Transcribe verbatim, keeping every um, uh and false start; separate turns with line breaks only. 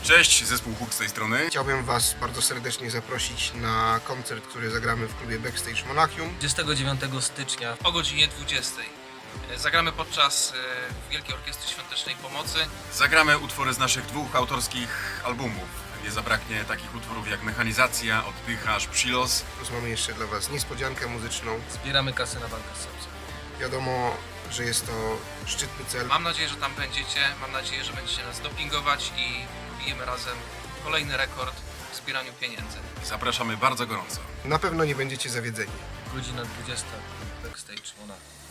Cześć, zespół Huk z tej strony.
Chciałbym Was bardzo serdecznie zaprosić na koncert, który zagramy w klubie Backstage Monachium.
dwudziestego dziewiątego stycznia
o godzinie dwudziestej. Zagramy podczas e, Wielkiej Orkiestry Świątecznej Pomocy.
Zagramy utwory z naszych dwóch autorskich albumów. Nie zabraknie takich utworów jak Mechanizacja, Oddychasz, Przylos.
Plus mamy jeszcze dla Was niespodziankę muzyczną.
zbieramy kasę na walkę z sepsem.
Wiadomo, że jest to szczytny cel.
Mam nadzieję, że tam będziecie. Mam nadzieję, że będziecie nas dopingować i bijemy razem kolejny rekord w zbieraniu pieniędzy.
Zapraszamy bardzo gorąco.
Na pewno nie będziecie zawiedzeni.
Godzina dwudziesta, backstage Monachium.